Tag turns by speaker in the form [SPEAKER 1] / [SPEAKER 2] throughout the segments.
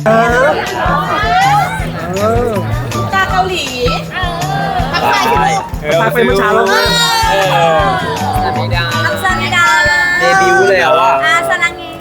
[SPEAKER 1] ตาเกาหลีทักทาย
[SPEAKER 2] มาเป็นผู้ชายแล้วนะ
[SPEAKER 3] ไม่ได้
[SPEAKER 1] ทักซามิดา
[SPEAKER 3] เดบิวต์แล้วอ่ะ
[SPEAKER 1] อาสลังเง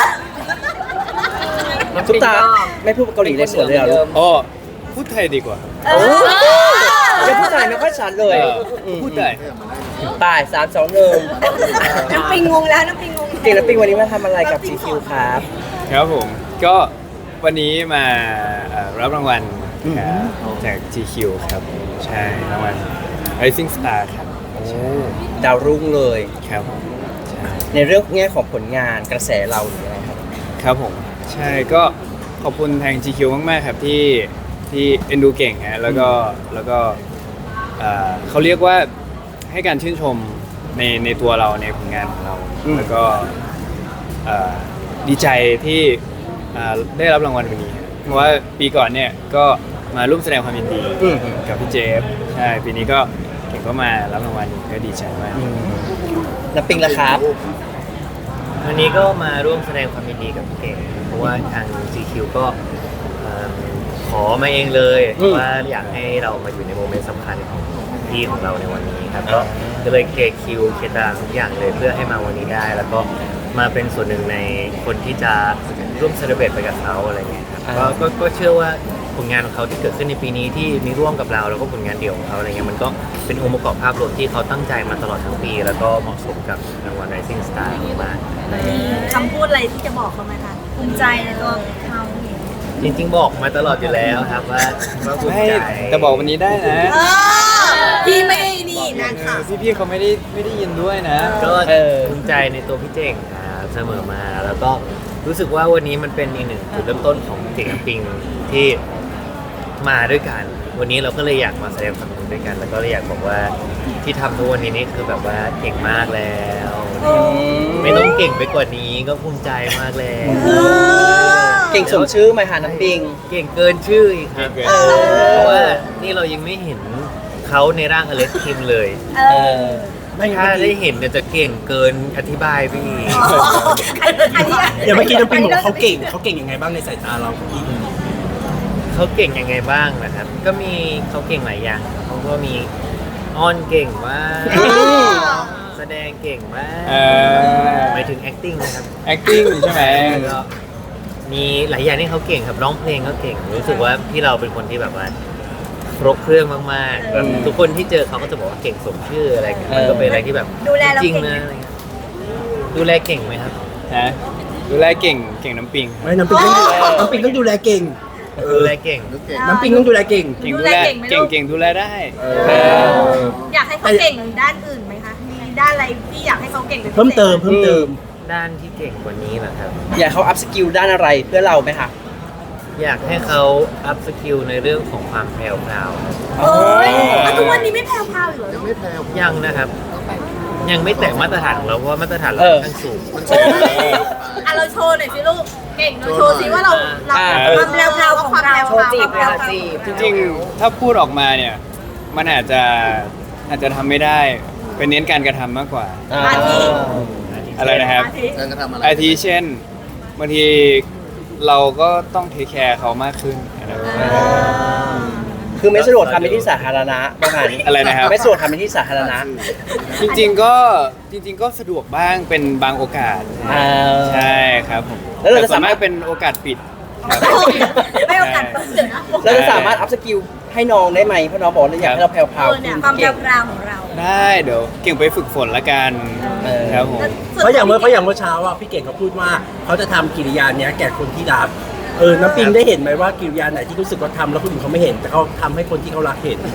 [SPEAKER 3] ทุกตาไม่พูดเกาหลีเลยสวนเลยเหรอลูก
[SPEAKER 4] อ๋อพูดไทยดีกว่า
[SPEAKER 3] ยังพูดไทยไม่ค่อยชัดเลย
[SPEAKER 4] พูดไทย
[SPEAKER 3] ป่าย3-2-1
[SPEAKER 1] น้ำปิงงงแล้วน้ำปิงงง
[SPEAKER 3] เก่งแล้วปิงวันนี้มาทำอะไรกับ GQ ครับ
[SPEAKER 4] ครับผมก็วันนี้มารับรางวัลครับจาก GQ ครับใช่รางวัล Rising Star ครับ
[SPEAKER 3] ดาวรุ่งเลย
[SPEAKER 4] ครับผมใช่
[SPEAKER 3] ในเรื่องแง่ของผลงานกระแสเราหรืออะไรครับ
[SPEAKER 4] ครับผมใช่ก็ขอบคุณทาง GQ มากๆครับที่เอ็นดูเก่งฮะแล้วก็เขาเรียกว่าให้การชื่นชมในตัวเราในผลงานของเรา แล้วก็ดีใจที่ได้รับรางวัลวันนี้เพราะว่าปีก่อนเนี่ยก็มาร่วมแสดงความยินดีกับพี่เจฟใช่ปีนี้ก็เก่งก็มารับรางวัลอีกก็ดีใจมาก
[SPEAKER 3] น้ำปิงละครับ
[SPEAKER 5] วันนี้ก็มาร่วมแสดงความยินดีกับพี่เก่งเพราะว่าทาง GQ ก็ขอมาเองเลยว่าอยากให้เรามาอยู่ในโมเมนต์สำคัญของพี่ของเราในวันนี้ครับก็เลยเคลียร์คิวเคลียร์ตารางทุกอย่างเลยเพื่อให้มาวันนี้ได้ แล้วก็มาเป็นส่วนหนึ่งในคนที่จะร่วมเซเลบรตไปกับเขาอะไรเงี้ยครับก็เชื่อว่าผลงานของเขาที่เกิดขึ้นในปีนี้ที่มีร่วมกับเราแล้วก็ผลงานเดี่ยวของเขาอะไรเงี้ยมันก็เป็นองค์ประกอบภาพรวมที่เขาตั้งใจมาตลอดทั้งปี แล้วก็เหมาะสมกับรางวัล Rising Star มาก
[SPEAKER 1] คำพูดอะไรที่จะบอกเขาไหมคะภูมิใจในตัวเขา
[SPEAKER 5] จริงๆบอกมาตลอดอยู่แล้วครับว่าภูมิ
[SPEAKER 4] ให้
[SPEAKER 5] ใจ
[SPEAKER 4] แต่บอกวันนี้ได้นะ
[SPEAKER 1] พี่ไม่นี่นะค่ะ
[SPEAKER 4] พี่ๆเขาไม่ได้ยินด้วยนะ
[SPEAKER 5] ก็ภูมิใจในตัวพี่เจ๋งครับเสมอมาแล้วก็รู้สึกว่าวันนี้มันเป็นอีกหนึ่งจุดเริ่มต้นของเจ๋งกับปิงที่มาด้วยกัน วันนี้เราก็เลยอยากมาแสดงความยินดีด้วยกัน แล้วก็เลยอยากบอกว่าที่ทำทุกวันนี้นี่คือแบบว่าเก่งมากแล้ว ไม่ต้องเก่งไปกว่านี้ก็ภูมิใจมากแล้ว
[SPEAKER 3] เก่งสมชื่อไหมคะน้ำปิง
[SPEAKER 5] เก่งเกินชื่ออีกครับ
[SPEAKER 4] เก่งเกิน
[SPEAKER 5] เพราะว่านี่เรายังไม่เห็นเขาในร่างอเล็กคิมเลย ถ้าได้เห็นเนี่ยจะเก่งเกินอธิบายไปอีก
[SPEAKER 2] อย่างเมื่อกี้น้ำปิงบอกว่าเขาเก่งยังไงบ้างในสายตาเรา
[SPEAKER 5] เขาเก่งยังไงบ้างนะครับ ก็มีเขาเก่งหลายอย่างเขาก็มีอ้อนเก่งมากแสดงเก่งมากหมายถึง acting นะครับ
[SPEAKER 4] acting ใช่ไหม
[SPEAKER 5] แล้วก็มีหลายอย่างที่เขาเก่งครับร้องเพลงก็เก่งรู้สึกว่าพี่เราเป็นคนที่แบบว่าครบเครื่องมากๆแบบทุกคนที่เจอเขาก็จะบอกว่าเก่งสมชื่ออะไรเงี้ยมันก็เป็นอะไรที่แบบ
[SPEAKER 1] ดูแลเรา
[SPEAKER 5] จริง
[SPEAKER 1] เก่ง
[SPEAKER 5] นะ
[SPEAKER 1] ไหม
[SPEAKER 5] อะไรเงี้ยดูแลเก่งไหมครับ
[SPEAKER 4] ฮะดูแลเก่งน้ำปิง
[SPEAKER 2] ไม่น้ำปิงต้องดูแลเก่ง
[SPEAKER 5] ดูแลเก่ง
[SPEAKER 2] น้ำปิงต้องดูแลเก่ง
[SPEAKER 4] เก่งดูแลเก่งดูแลได้
[SPEAKER 1] อยากให้เขาเก่งด้านอื่นไหมคะมีด้านอะไรที่อยากให้เขาเก่งเป็นพิศษ
[SPEAKER 2] เพิ่มเติม
[SPEAKER 5] ด้านที่เก่งกว่านี้นะครับ
[SPEAKER 3] อยากเขาอัพสกิลด้านอะไรเพื่อเราไหมคะ
[SPEAKER 5] อยากให้เขาอัพสกิลในเรื่องของความแพรวพราว
[SPEAKER 1] เอ้ยแล้วทุกวันนี้ไม่แพรวๆอยู่เหรอ
[SPEAKER 5] ยังนะครับ ยังไม่แตะมาตรฐานของเราเพราะว่ามาตรฐานเราค่อนข้างสูง
[SPEAKER 1] อ่ะเราโชว์หน่อยสิลูก เก่งเราโชว์สิว่าเราความแพรวๆของเราจีบเราจีบ
[SPEAKER 4] จริงๆ ถ้าพูดออกมาเนี่ย มันอาจจะทำไม่ได้เป็นเน้นการกระทำมากกว่า
[SPEAKER 1] อาทิ
[SPEAKER 4] อะไรนะครับ อาทิเช่นบางทีเราก็ต้องเทคแคร์เขามากขึ้นอะไรแบบนี้
[SPEAKER 3] คือไม่สะดวกทำในที่สาธารณะประมาณนี้
[SPEAKER 4] อะไรนะครับ
[SPEAKER 3] ไม่สะดวกทำในที่สาธารณะ
[SPEAKER 4] จริงๆก็สะดวกบ้างเป็นบางโอกาส ใช่ครับผม
[SPEAKER 3] แล้วเราจะ
[SPEAKER 4] แต่ส่วน
[SPEAKER 3] สามารถ
[SPEAKER 4] เป็นโอกาสปิดครับ
[SPEAKER 1] ไม่โอกาสเปิดนะ
[SPEAKER 3] เราจะสามารถอัพสกิลให้น้องได้ไหมเพราะน้องบอกว่าอยากให้เราแพรวๆ
[SPEAKER 1] เนี่ย
[SPEAKER 3] ขึ้น
[SPEAKER 1] ความแพ
[SPEAKER 3] เก่ง
[SPEAKER 1] รวๆของเรา
[SPEAKER 4] ได้เดี๋ยวเก่งไปฝึกฝนละกันครับผม
[SPEAKER 2] เพราะอย่างเมื่อเช้าอ่ะพี่เก่งเขาพูดว่าเขาจะทำกิริยาเนี้ยแก่คนที่รักน้ำปิงได้เห็นไหมว่ากิริยาไหนที่รู้สึกว่าทำแล้วคนอื่นเขาไม่เห็น แต่เขาทำให้คนที่เขารักเห็น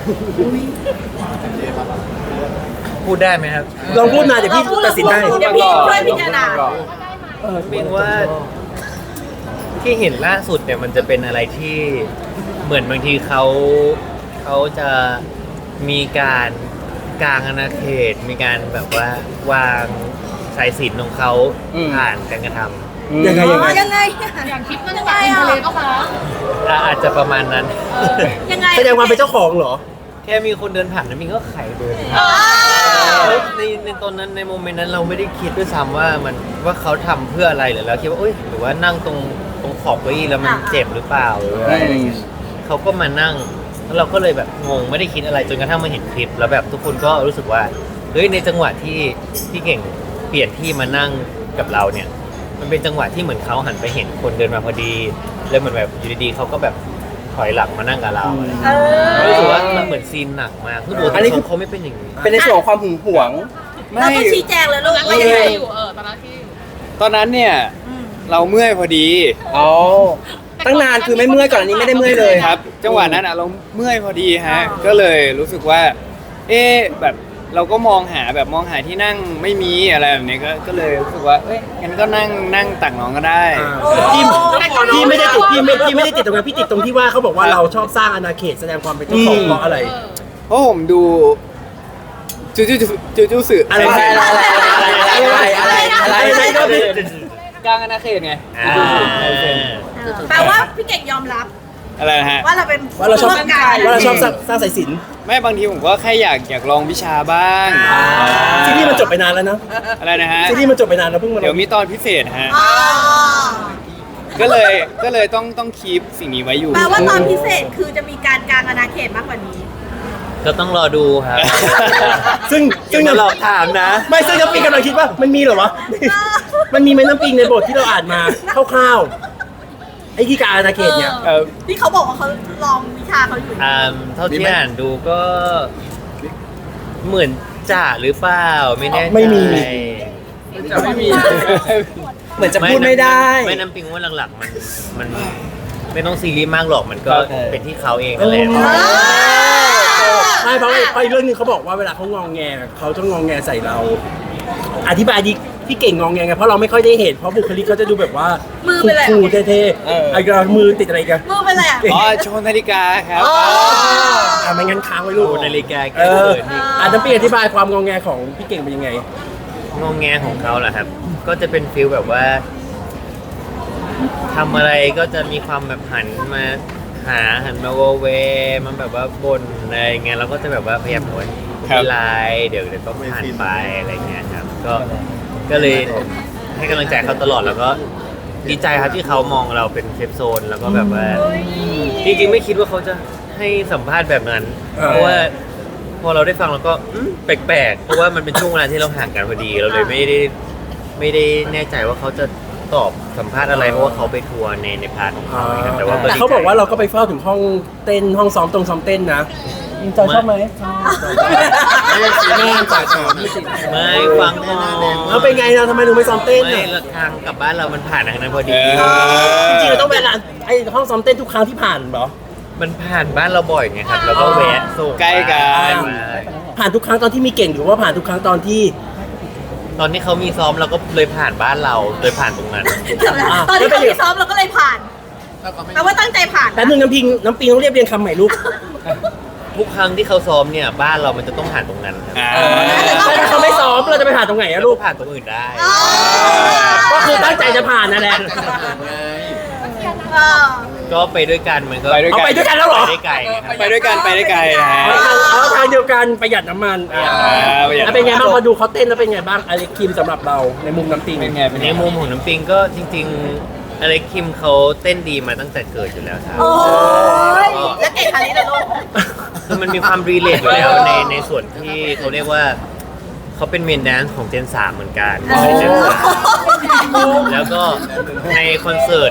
[SPEAKER 5] พูดได้ไหมครับ
[SPEAKER 2] ลองพูดมาเดี๋ยวพี่ตัดสินได้
[SPEAKER 1] เดี๋ยวพี่ช่วยพิจารณา
[SPEAKER 5] ปิงว่าที่เห็นล่าสุดเนี่ยมันจะเป็นอะไรที่เหมือนบางทีเขาจะมีการกลางอาณาเขต มีการแบบว่าวางสายสิญจนของเขาผ่านการกระทำ
[SPEAKER 2] ยังไง
[SPEAKER 1] ยังไงอย่างคลิปมันยังไงอ่ะ
[SPEAKER 5] อาจจะประมาณนั้น
[SPEAKER 1] ยังไง
[SPEAKER 2] แสดงความเป็นเจ้าของเหรอ
[SPEAKER 5] แค่มีคนเดินผ่านแล้วมิงก็ไขเดิน ในตอนนั้นในโมเมนต์นั้นเราไม่ได้คิดด้วยซ้ำว่าเขาทำเพื่ออะไรหรือเราคิดว่าหรือว่านั่งตรงขขอบเก้าอี้แล้วมันเจ็บหรือเปล่าหรืออะไรอย่างเงี้ยเขาก็มานั่งแล้วเราก็เลยแบบงงไม่ได้คิดอะไรจนกระทั่งมาเห็นคลิป แล้วแบบทุกคนก็รู้สึกว่าเฮ้ยในจังหวะที่พี่เก่งเปลี่ยนที่มานั่งกับเราเนี่ยมันเป็นจังหวะที่เหมือนเขาหันไปเห็นคนเดินมาพอดีแล้วเหมือนแบบอยู่ดีๆเขาก็แบบถอยหลังมานั่งกับเราอะไรอย่างเงี้ยรู้สึกว่ามันเหมือนซีนหนักมากคือปกติเขาไม่เป็นอย่างนี้
[SPEAKER 3] เป็นในส่วนของความหึงหวง
[SPEAKER 1] เราก็ชี้แจงเลยลูกว่ายังไงอยู่ตอนนั้นที่
[SPEAKER 4] ตอนนั้นเนี่ยเราเมื่อยพอดี
[SPEAKER 3] อ๋อ ตั้งนานคือไม่เมื่อยก่อนอันนี้ไม่ได้เมื่อยเลย
[SPEAKER 4] ครับ จังหวะนั้นเราเมื่อยพอดีฮะก็เลยรู้สึกว่า แบบเราก็มองหาที่นั่งไม่มีอะไรแบบนี้ก็เลยรู้สึกว่างั้นก็นั่งตักน้องก็ได้
[SPEAKER 2] พี่ไม่ได้ติดพี่ไม่ได้ติดตรงนั้นพี่ติดตรงที่ว่าเขาบอกว่าเราชอบสร้างอาณาเขตแสดงความเป็นเจ้าของเพราะอะไร
[SPEAKER 4] เพราะผมดูจูสื่อ
[SPEAKER 2] อะไร
[SPEAKER 4] กลางอาณาเขตไง
[SPEAKER 1] แปลว่าพี่เก่งยอมรับ
[SPEAKER 4] อะไรนะฮะ
[SPEAKER 1] ว่าเราเป็น
[SPEAKER 2] ว่าเราชอบ
[SPEAKER 1] ร่วมกัน
[SPEAKER 2] ว่าเราชอบสร้างสายสิญจน์
[SPEAKER 4] ไม่บางทีผมก็แค่อยากลองวิชาบ้าง
[SPEAKER 2] ซีรีส์มันจบไปนานแล้วนะ
[SPEAKER 4] อะไรนะฮะ
[SPEAKER 2] ซีรีส์มันจบไปนานแล้วเพิ่งมา
[SPEAKER 4] เดี๋ยวมีตอนพิเศษฮะ
[SPEAKER 1] อ๋อ
[SPEAKER 4] ก็เลยต้องคีปสิ่งนี้ไว้อยู่
[SPEAKER 1] แปลว่าตอนพิเศษคือจะมีการกางอาณาเขตมากกว่านี้
[SPEAKER 5] ก็ต้องรอดูครับ
[SPEAKER 2] ซึ่ง
[SPEAKER 5] อย่าหลอกถามนะ
[SPEAKER 2] ไม่ซึ่งน้ำปิงกำลังคิดว่ามันมีเหรอวะ มันมีไหมน้ำปิงในบทที่เราอ่านมาคร่าวๆไอ้ที่การอาณาเขตเนี่ย
[SPEAKER 1] ที่เขาบอกว่าเขาลองวิชาเขาอยู่
[SPEAKER 5] เท่าที่อ่านดูก็เหมือนจ่าหรือเปล่าไม่แน่ใจ
[SPEAKER 2] ไม่มี
[SPEAKER 3] เหมือนจะพูดไม่ได้
[SPEAKER 5] ไม่น้ำปิงว่าหลักๆมันไม่ต้องซีรีส์มากหรอกมันก็เป็นที่เขาเองนั่นแหละ
[SPEAKER 2] ไม่เพราะอีกเรื่องนึงเขาบอกว่าเวลาเขางองแงเขาจะงองแงใส่เรา อธิบายดิพี่เก่งงองแงไงเพราะเราไม่ค่อยได้เห็นเพราะบุคลิกเขาจะดูแบบว่า
[SPEAKER 1] มือเป็นอะไร
[SPEAKER 2] คูลๆเท่ๆไอ้กระมือติดอะไรกัน
[SPEAKER 1] มือเป็นอะไรอ่ะ
[SPEAKER 4] อ๋อโชว์นาฬิกาครับ
[SPEAKER 2] ไม่งั้นค้างไว้ลูก
[SPEAKER 5] โอ้นาฬิกา
[SPEAKER 2] เออน้ำปิงอธิบายความงองแงของพี่เก่งเป็นยังไง
[SPEAKER 5] งงแงของเขาเหรอครับ ก็จะเป็นฟิลแบบว่าทำอะไรก็จะมีความแบบหันมาโวเวมันแบบว่าบ่นอะไรเงี้ยเราก็จะแบบว่าพยายามบอกว่า
[SPEAKER 4] ครั
[SPEAKER 5] ไม่
[SPEAKER 4] บ
[SPEAKER 5] เป็นไรเดี๋ยวก็ผ่านไปอะไรเงี้ยครับก็เลยให้กำลังใจเขาตลอดแล้วก็ดีใจครับที่เขามองเราเป็นเซฟโซนแล้วก็แบบว่าจริงๆไม่คิดว่าเขาจะให้สัมภาษณ์แบบนั้น เพราะว่าพอเราได้ฟังเราก็แปลกๆเพราะว่ามันเป็นช่วงเวลาที่เราห่างกันพอดีเราเลยไม่ได้แน่ใจว่าเขาจะตอบสัมภาษณ์อะไรเพราะว่าเขาไปทัวร์ในพาร์ทของเขาครับแต่ว่า
[SPEAKER 2] แต่เขาบอกว่าเราก็ไปเฝ้าถึงห้องเต้นห้องซ้อมเต้นนะจอยชอบไหม
[SPEAKER 5] ไม่ฟังก่อน
[SPEAKER 2] แล้วเป็นไงนะทำไมถึงไม่ซ้อมเต้น
[SPEAKER 5] ไม่
[SPEAKER 2] อ่ะ
[SPEAKER 5] ทางกลับบ้านเรามันผ่านทางนั้นพอดี
[SPEAKER 2] จริงๆเราต้องเวลาไอ้ห้องซ้อมเต้นทุกครั้งที่ผ่านเหรอ
[SPEAKER 5] มันผ่านบ้านเราบ่อยไงครับแล้วก็แวะส่ง
[SPEAKER 4] ใกล้กัน
[SPEAKER 2] ผ่านทุกครั้งตอนที่มีเก่งหรือว่าผ่านทุกครั้งตอนที่
[SPEAKER 5] ตอนที่เขามีซ้อมเราก็เลยผ่านบ้านเราเลยผ่านตรงนั้น
[SPEAKER 1] ตอนที่เขาที่ซ้อมเราก็เลยผ่านแปลว่าตั้งใจผ่าน
[SPEAKER 2] แต่หนึ่งน้ำปิงต้องเรียบเรียงคำใหม่ลูก
[SPEAKER 5] ทุกครั้งที่เขาซ้อมเนี่ยบ้านเรามันจะต้องผ่านตรงนั้นครับ
[SPEAKER 2] ถ้าเขาไม่ซ้อมเราจะไปผ่านตรงไหนอะลูก
[SPEAKER 5] ผ่านตรงอื่นได้
[SPEAKER 2] ก็คือตั้งใจจะผ่านนั่นแหละ
[SPEAKER 5] ก็ไปด้วยกันมันก็
[SPEAKER 2] เอาไปด้วยกันแล้วเหรอ
[SPEAKER 5] ไปได้ไกลไงครับ
[SPEAKER 4] ไปด้วยกันไปได้ไกลนะฮะ
[SPEAKER 2] เอาทางเดียวกันประหยัดน้ำมัน
[SPEAKER 4] ประหยัดน้ำมัน
[SPEAKER 2] เป็นไงบ้างพอดูเขาเต้นแล้วเป็นไงบ้างอเล็กคิมสำหรับเราในมุมน้ำปิง
[SPEAKER 4] เป็นไง
[SPEAKER 5] ในมุมของน้ำปิงก็จริงๆอเล็กคิมเขาเต้นดีมาตั้งแต่เกิดอยู่แล้วครับ
[SPEAKER 1] โอ้ยแล้วเก่งคาริสเลยลูก
[SPEAKER 5] คือมันมีความรีเลทอยู่แล้วในส่วนที่เขาเรียกว่าเขาเป็นเมนแดนซ์ของเจน 3 เหมือนกันในเจน 3แล้วก็ในคอนเสิร์ต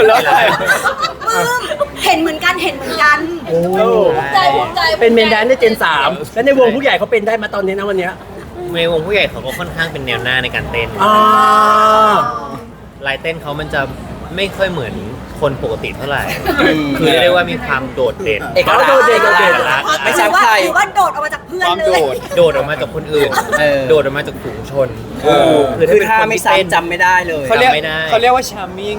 [SPEAKER 1] เห็นเหมือนกัน
[SPEAKER 2] โอ้
[SPEAKER 1] ใจ
[SPEAKER 2] เป็นเมนแดนซ์ในเจน 3 แล้วในวงผู้ใหญ่เขาเป็นได้มาตอนนี้นะวันเนี้ย
[SPEAKER 5] ในวงผู้ใหญ่เขาก็ค่อนข้างเป็นแนวหน้าในการเต้น
[SPEAKER 2] อ่า
[SPEAKER 5] ลายเต้นเขามันจะไม่ค่อยเหมือนคนปกติเท่าไหร่ คือเรียกว่ามีความโดดเด่น
[SPEAKER 3] เอกลักษณ์
[SPEAKER 2] โดดเด่น
[SPEAKER 3] ไม่ซ้ำใคร
[SPEAKER 1] หรือว่าโดดออกมาจากเพื่อน
[SPEAKER 4] ความ
[SPEAKER 1] เล
[SPEAKER 4] โด
[SPEAKER 1] ย
[SPEAKER 4] ด
[SPEAKER 5] โดดออกมาจากคนอื่น โดดออกมาจากฝูงชน
[SPEAKER 3] คือถ้าไม่ซ้ำจำไม่ได้เลย
[SPEAKER 4] เขาเรียก
[SPEAKER 5] จำไม่ได้
[SPEAKER 4] เขาเรียกว่า charming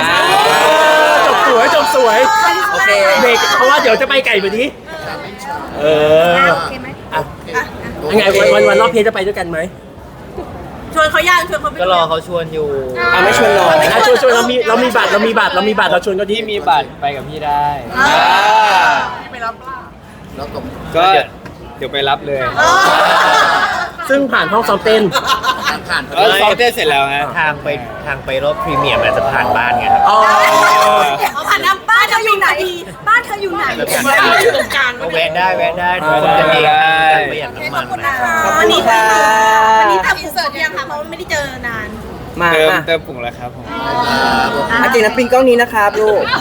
[SPEAKER 2] จบสวย
[SPEAKER 3] โอเค
[SPEAKER 2] เด็กเพราะว่าเดี๋ยวจะไปไก่แบบนี้เออ
[SPEAKER 1] โอเคไหม
[SPEAKER 2] ยังไงวันรอบเพลงจะไปด้วยกันไหม
[SPEAKER 1] ชวนเขาย่างชวนเขาไป
[SPEAKER 5] ก็รอเขาชวนอยู่
[SPEAKER 3] ไม่ชวนหรอก
[SPEAKER 2] ชวนเรามีบัตรเราชวนก็ดี
[SPEAKER 4] ที่มีบัตรไปกับพี่ได้
[SPEAKER 1] ไปรับล่า
[SPEAKER 4] ก็เดี๋ยวไปรับเลย
[SPEAKER 2] ซึ่งผ่านห้องซ้อมเต้น
[SPEAKER 3] ผ่าน
[SPEAKER 4] ซ้อมเต้นเสร็จแล้วฮะ
[SPEAKER 5] ทางไปรอบพรีเมียร์มันจะผ่านบ้านไงครับ
[SPEAKER 3] อ๋อ
[SPEAKER 1] เอาผ่านน้ำบ้านเธออยู่ไหนบ้านเธออยู่ไหน
[SPEAKER 5] อยู่ตรงกลางก็แวะได้ทุกคนกันเองการประหยัดน้ำมันนะ
[SPEAKER 3] ขอบคุณค่ะ
[SPEAKER 1] วันนี้ทำอินเสิร์ตยังคะเพราะว่าไม่ได้เจอนาน
[SPEAKER 3] มา
[SPEAKER 4] เติมปุ่งแล้วครับผม
[SPEAKER 3] อาจารย์น้ำปิงกล้องนี้นะครับลูก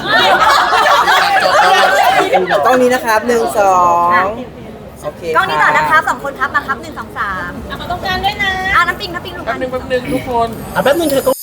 [SPEAKER 3] กล้องนี้นะครับ1 2โอเค
[SPEAKER 1] กล้องนี้ต่อนะคะ2 คนครับมาครับ1 2 3เอามาตรงกลางด้วยนะน้ำปิงลูก
[SPEAKER 2] แป๊บนึงเธอก็